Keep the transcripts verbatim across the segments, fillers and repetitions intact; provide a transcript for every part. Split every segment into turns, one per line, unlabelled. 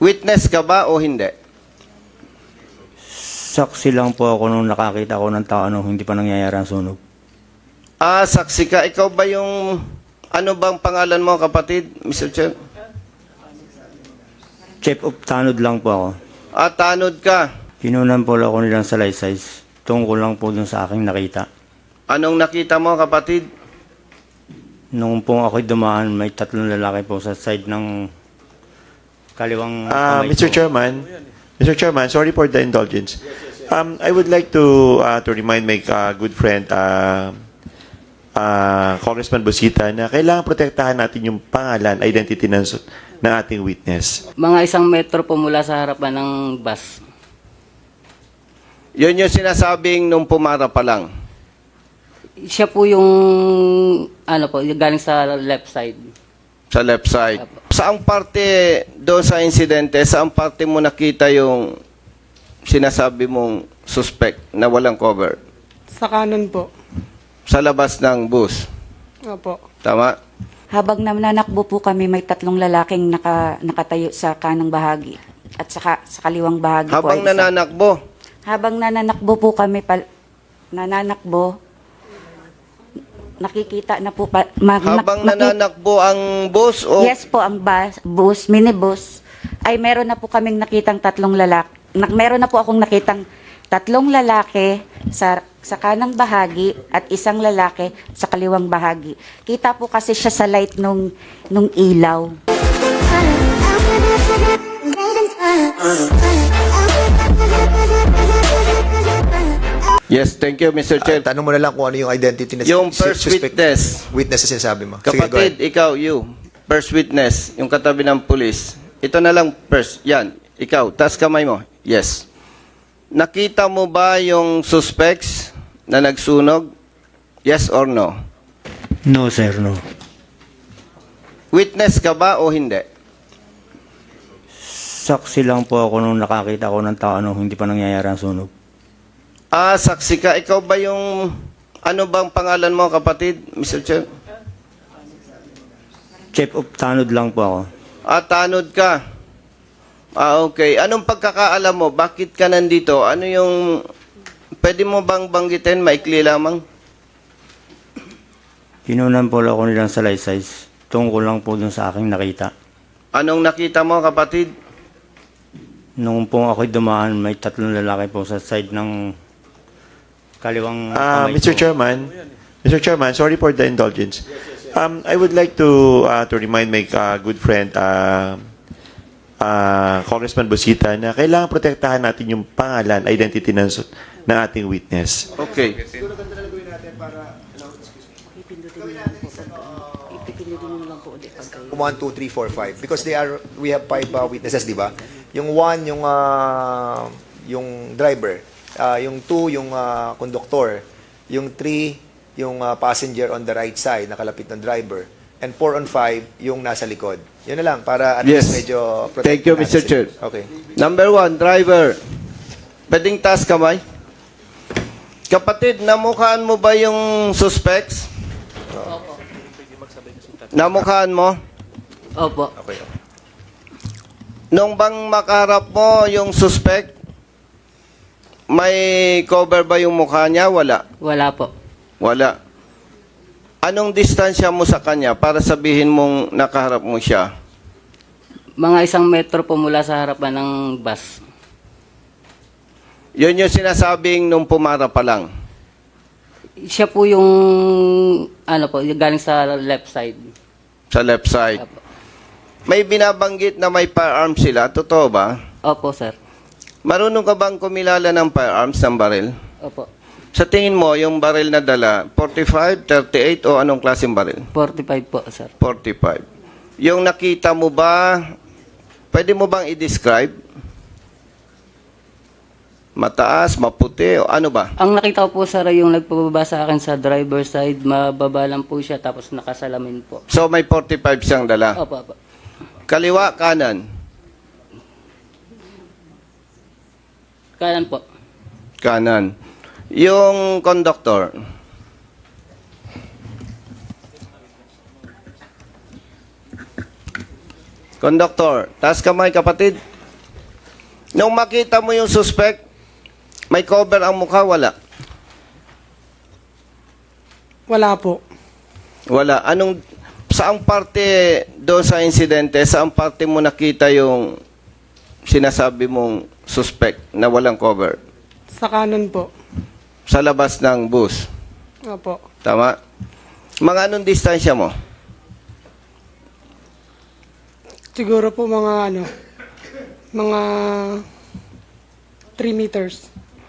Witness ka ba o hindi?
Saksi lang po ako nung nakakita ko ng tao nung hindi pa nangyayari ang sunog.
Ah, saksi ka. Ikaw ba yung... Ano bang pangalan mo, kapatid, Mister Chair?
Chief of Tanod lang po ako.
Ah, tanod ka.
Kinunan po ako nilang salaysay. Tungkol lang po dun sa aking nakita.
Anong nakita mo, kapatid?
Nung po ako'y dumaan, may tatlong lalaki po sa side ng kaliwang
Uh,
kamay
Mister
ko.
Chairman, Mister Chairman, sorry for the indulgence. Um, I would like to uh, to remind my uh, good friend, uh, uh, Congressman Busita, na kailangan protektahan natin yung pangalan, identity ng, ng ating witness.
Mga isang metro po mula sa harapan ng bus.
Yun yung sinasabing nung pumara pa lang.
Siya po yung, ano po, galing sa left side.
Sa left side. Saang parte doon sa insidente, saang parte mo nakita yung sinasabi mong suspect na walang cover?
Sa kanan po.
Sa labas ng bus.
Opo.
Tama?
Habang nananakbo po kami, may tatlong lalaking naka, nakatayo sa kanang bahagi at saka sa kaliwang bahagi po.
Habang
ay isa.
nananakbo.
Habang nananakbo po kami, pal, nananakbo, nakikita na po, pa, ma,
Habang
nak- nakik-
nananakbo ang bus o...
Yes po, ang bus, bus, minibus, ay meron na po kaming nakitang tatlong lalaki. Na, meron na po akong nakitang tatlong lalaki sa, sa kanang bahagi at isang lalaki sa kaliwang bahagi. Kita po kasi siya sa light nung, nung ilaw.
Yes, thank you, Mister Chair.
Ah, tanong mo na lang kung ano yung identity na
Yung
si-
first
suspect-
witness.
Witness na sinasabi mo. Sige, go
Kapatid,
ahead.
ikaw, you. First witness, yung katabi ng pulis. Ito na lang first. Yan, ikaw. Taas kamay mo. Yes. Nakita mo ba yung suspects na nagsunog? Yes or no?
No, sir, no.
Witness ka ba o hindi?
Saksi lang po ako nung nakakita ko ng tao nung hindi pa nangyayari ang sunog.
Ah, saksi ka. Ikaw ba yung... Ano bang pangalan mo, kapatid, Mister Chair?
Chief of Tanod lang po ako.
Ah, tanod ka. Ah, okay. Anong pagkakaalam mo? Bakit ka nandito? Ano yung... Pwede mo bang banggitin? Maikli lamang.
Kinunan po ako nilang salaysay. Tungkol lang po dun sa aking nakita.
Anong nakita mo, kapatid?
Nung po ako'y dumaan, may tatlong lalaki po sa side ng kaliwang
Uh,
kamay
Mister
ko.
Chairman, Mister Chairman, sorry for the indulgence. Um, I would like to uh, to remind my uh, good friend, uh, uh, Congressman Busita, na kailangan protektahan natin yung pangalan, identity ng, ng ating witness.
Okay.
one, two, three, four, five. Because they are, we have five uh, witnesses, di ba? Yung one, yung, uh, yung driver. Uh, yung two, yung uh, conductor. Yung three, yung uh, passenger on the right side, nakalapit ng driver. And four on five, yung nasa likod. Yun na lang, para at
Yes.
least medyo protect
Thank you,
natin
Mister
sila.
Chair.
Okay.
Number one, driver. Pwedeng taas kamay. Kapatid, namukhaan mo ba yung suspects? Namukhaan mo?
Opo.
Okay.
Nung bang makaharap mo yung suspect, may cover ba yung mukha niya? Wala.
Wala po.
Wala. Anong distansya mo sa kanya para sabihin mong nakaharap mo siya?
Mga isang metro po mula sa harapan ng bus.
Yun yung sinasabing nung pumara pa lang.
Siya po yung, ano po, galing sa left side.
Sa left side.
Opo.
May binabanggit na may firearms sila. Totoo ba?
Opo, sir.
Marunong ka bang kumilala ng firearms ng baril?
Opo.
Sa tingin mo, yung baril na dala, forty-five, thirty-eight o anong klaseng baril?
forty-five po, sir.
forty-five. Yung nakita mo ba, pwede mo bang i-describe? Mataas, maputi o ano ba?
Ang nakita ko po, sir, ay yung nagpababa sa akin sa driver side. Mababa lang po siya, tapos nakasalamin po.
So may forty-five siyang dala.
Opo, opo.
Kaliwa, kanan.
Kanan po.
Kanan. Yung conductor. Conductor, taas kamay, kapatid. Nung makita mo yung suspect, may cover ang mukha, wala?
Wala po.
Wala. Anong, saang parte doon sa insidente, saang parte mo nakita yung sinasabi mong suspect na walang cover?
Sa kanan po.
Sa labas ng bus.
Opo.
Tama? Mga anong distansya mo?
Siguro po mga ano, mga three meters.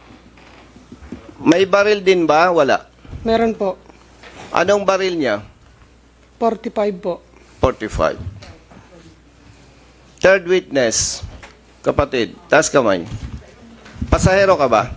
May baril din ba? Wala.
Meron po.
Anong baril niya?
forty-five po.
forty-five. Third witness. Kapatid, taas kamay. Pasahero ka ba?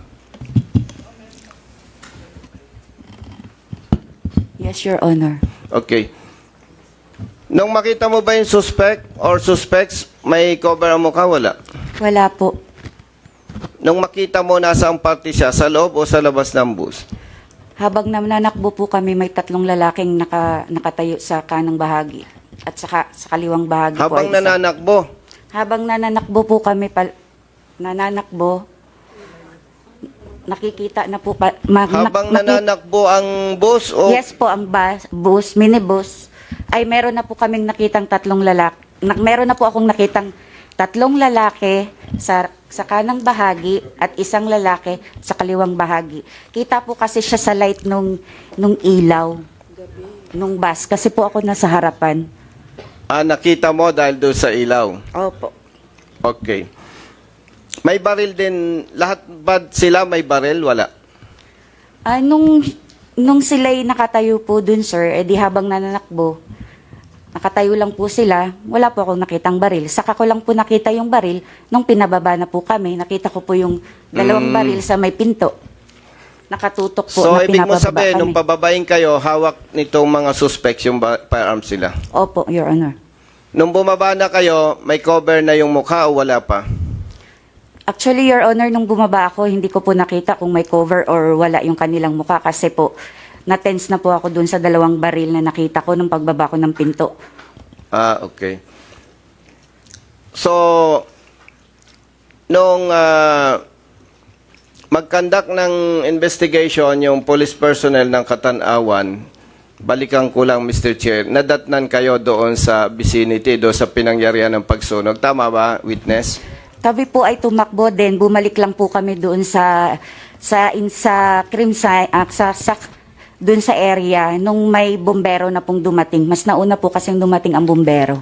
Yes, Your Honor.
Okay. Nung makita mo ba yung suspect or suspects, may cover ang mukha? Wala.
Wala po.
Nung makita mo, nasa ang party siya, sa loob o sa labas ng bus?
Habang nananakbo po kami, may tatlong lalaking naka, nakatayo sa kanang bahagi at saka sa kaliwang bahagi po.
Habang
ay isa.
nananakbo,
Habang nananakbo po kami, pal, nananakbo, nakikita na po, pa, ma,
habang
nak- maki-
nananakbo ang bus o
Yes po, ang bus, bus, minibus, ay meron na po kaming nakitang tatlong lalaki. Na, meron na po akong nakitang tatlong lalaki sa, sa kanang bahagi at isang lalaki sa kaliwang bahagi. Kita po kasi siya sa light nung, nung ilaw, nung bus. Kasi po ako nasa harapan.
ah, nakita mo dahil doon sa ilaw?
Opo.
Okay. May baril din, lahat ba sila may baril? Wala.
Ah, nung, nung sila'y nakatayo po dun, sir, edi habang nananakbo, nakatayo lang po sila, wala po akong nakitang baril. Saka ko lang po nakita yung baril nung pinababa na po kami. Nakita ko po yung dalawang baril sa may pinto. Nakatutok po
So,
na
ibig mo
pinababa
sabihin,
kami.
nung pababain kayo, hawak nitong mga suspects yung ba- firearms sila.
Opo, Your Honor.
Nung bumaba na kayo, may cover na yung mukha o wala pa?
Actually, Your Honor, nung bumaba ako, hindi ko po nakita kung may cover or wala yung kanilang mukha kasi po, na-tense na po ako dun sa dalawang baril na nakita ko nung pagbaba ko ng pinto.
Ah, okay. So, nung uh, mag-conduct ng investigation yung police personnel ng Katanawan, balikan ko lang, Mister Chair, nadatnan kayo doon sa vicinity, doon sa pinangyarihan ng pagsunog. Tama ba, witness?
Kami po ay tumakbo din, bumalik lang po kami doon sa sa in sa crime scene, ah, sa, sa doon sa area nung may bombero na pong dumating. Mas nauna po kasing dumating ang bombero.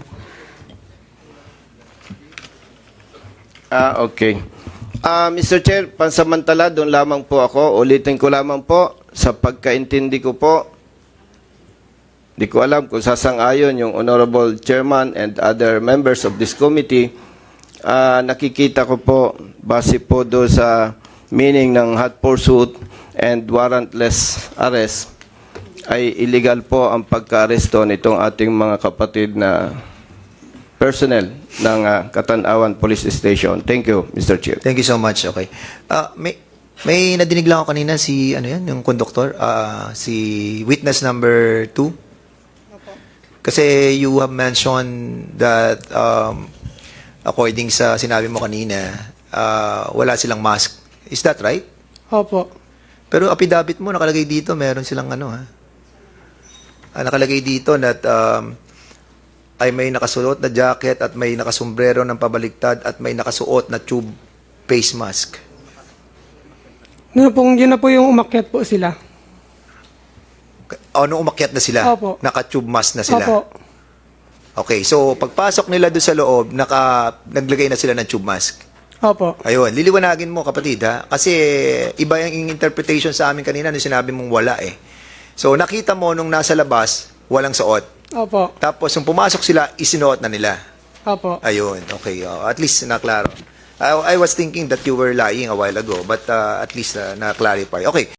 Ah, okay. Ah, Mister Chair, pansamantala, doon lamang po ako. Ulitin ko lamang po, sa pagkaintindi ko po, di ko alam kung sasang-ayon yung Honorable Chairman and other members of this committee. Ah, nakikita ko po, base po doon sa meaning ng hot pursuit and warrantless arrest, ay illegal po ang pagka-aresto nitong ating mga kapatid na personnel ng ah, Katanawan Police Station. Thank you, Mister Chair.
Thank you so much. Okay. Ah, may may nadinig lang ako kanina si ano yan, yung conductor, ah, si witness number two. Kasi you have mentioned that um, according sa sinabi mo kanina, ah, wala silang mask. Is that right?
Opo.
Pero affidavit mo nakalagay dito, meron silang ano ha. Ah, nakalagay dito that um, ay may nakasuot na jacket at may nakasombrero ng pabaliktad at may nakasuot na tube face mask.
Yun, pong, yun na po yung umakyat po sila.
O, nung umakyat na sila,
Opo.
naka-tube mask na sila.
Opo.
Okay, so pagpasok nila doon sa loob, naka, naglagay na sila ng tube mask.
Opo.
Ayun, liliwanagin mo kapatid ha, kasi iba yung interpretation sa amin kanina nung sinabi mong wala eh. So nakita mo nung nasa labas, walang suot.
Opo.
Tapos nung pumasok sila, isinuot na nila.
Opo.
Ayun, okay. Oh, at least naklaro. I, I was thinking that you were lying a while ago, but uh, at least uh, na-clarify. Okay.